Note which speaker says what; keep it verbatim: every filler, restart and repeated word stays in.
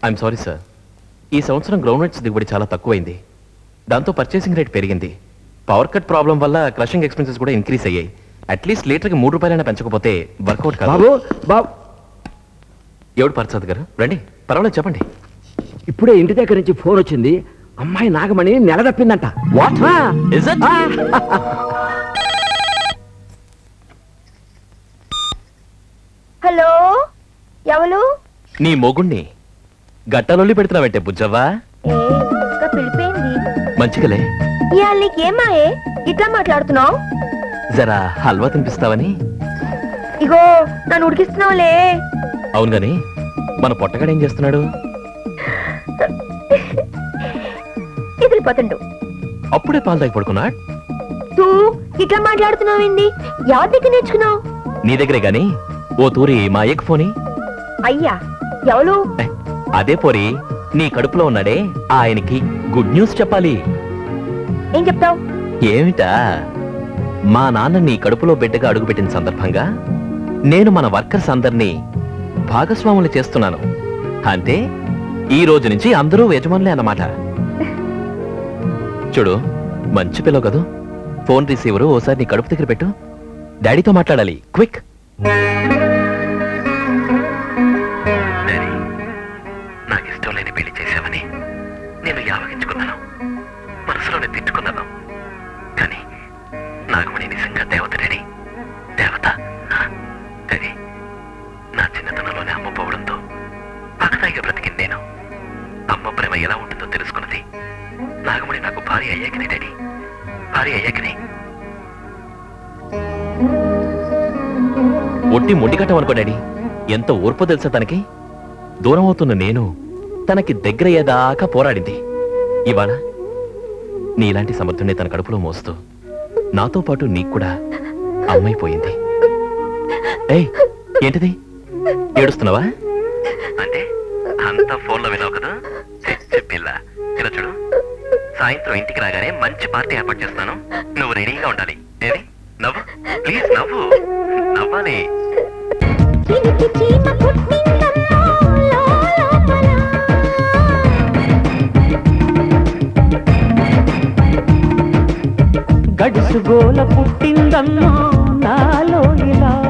Speaker 1: I'm sorry sir, ఈ సంవత్సరం ground nuts దిగుబడి చాలా తక్కువైంది. దాంతో పర్చేసింగ్ రేట్ పెరిగింది. పవర్ కట్ ప్రాబ్లం వల్ల క్రషింగ్ ఎక్స్పెన్సెస్ కూడా ఇంక్రీస్ అయ్యాయి. అట్లీస్ట్ లీటర్కి మూడు రూపాయలైనా పెంచకపోతే వర్కౌట్ కాదు.
Speaker 2: బాబు బాబు
Speaker 1: ఎవడు పరసాద్ గారు? రండి, పర్వాలేదు చెప్పండి.
Speaker 2: ఇప్పుడే ఇంటి దగ్గర నుంచి ఫోన్ వచ్చింది. అమ్మాయి నాగమణి నెల తప్పిందంట. వాట్?
Speaker 1: Is it?
Speaker 3: హలో, ఎవరు?
Speaker 1: నీ మొగుణ్ణి గట్టలొల్లి పెడుతున్నావంటే బుజ్జవ్వా?
Speaker 3: ఏ ఇంకా పిలిపోయింది.
Speaker 1: మంచిగలే.
Speaker 3: ఇవాళ నీకేమాయే ఇట్లా మాట్లాడుతున్నావు?
Speaker 1: జరా హల్వా తినిపిస్తావని.
Speaker 3: ఇగో నన్ను ఉడికిస్తున్నావులే.
Speaker 1: అవును గాని మన పొట్టగాడు ఏం చేస్తున్నాడు?
Speaker 3: ఎదిరిపోతుండు.
Speaker 1: అప్పుడే పాలు తాగి పడుకున్నాడు.
Speaker 3: తూ ఇట్లా మాట్లాడుతున్నావేంది? ఎవరి దగ్గర నేర్చుకున్నావు?
Speaker 1: నీ దగ్గరే గాని ఓ తూరి మా ఎగ్ ఫోని.
Speaker 3: అయ్యా ఎవరు?
Speaker 1: అదే పోరి, నీ కడుపులో ఉన్నాడే ఆయనకి గుడ్ న్యూస్ చెప్పాలి.
Speaker 3: ఏం చెప్తావు?
Speaker 1: ఏమిటా, మా నాన్న నీ కడుపులో బిడ్డగా అడుగుపెట్టిన సందర్భంగా నేను మన వర్కర్స్ అందరినీ భాగస్వాములు చేస్తున్నాను. అంటే ఈ రోజు నుంచి అందరూ యజమానులే అన్నమాట. చూడు, మంచి పిల్లవు కదూ. ఫోన్ రిసీవరు ఓసారి నీ కడుపు దగ్గర పెట్టు. డాడీతో మాట్లాడాలి, క్విక్. నాకు ఇష్టం లేని పెళ్లి చేశావని నేను యావగించుకున్నాను, మనసులోనే తిట్టుకున్నాను. కానీ నాగమణి నిజంగా దేవత డాడీ, దేవత. డాడీ, నా చిన్నతనంలోనే అమ్మ పోవడంతో పక్కదాయిగా బ్రతికింది నేను. అమ్మ ప్రేమ ఎలా ఉంటుందో తెలుసుకున్నది నాగమణి నాకు భార్య అయ్యాకనే డాడీ, భార్య అయ్యాకనే. ఒట్టి మొండికట్టం అనుకో డాడీ. ఎంత ఓర్పో తెలుసా తనకి. దూరం అవుతున్న నేను తనకి దగ్గరయ్యేదాకా పోరాడింది. ఇవాళ నీలాంటి సమర్థుడిని తన కడుపులో మోస్తూ నాతో పాటు నీకు కూడా అమ్మైపోయింది. ఏయ్, ఏంటిది? ఏడుస్తున్నావా? అంటే అంతా ఫోన్లో విన్నావు కదా. పిల్ల ఇలా చూడు, సాయంత్రం ఇంటికి రాగానే మంచి పార్టీ ఏర్పాటు చేస్తాను. నువ్వు రెడీగా ఉండాలి. ఏది? నవ్వు ప్లీజ్, నవ్వు. నవ్వాలి.
Speaker 4: గడుసు గోల పుట్టిందమ్మా నాలో ఇలా.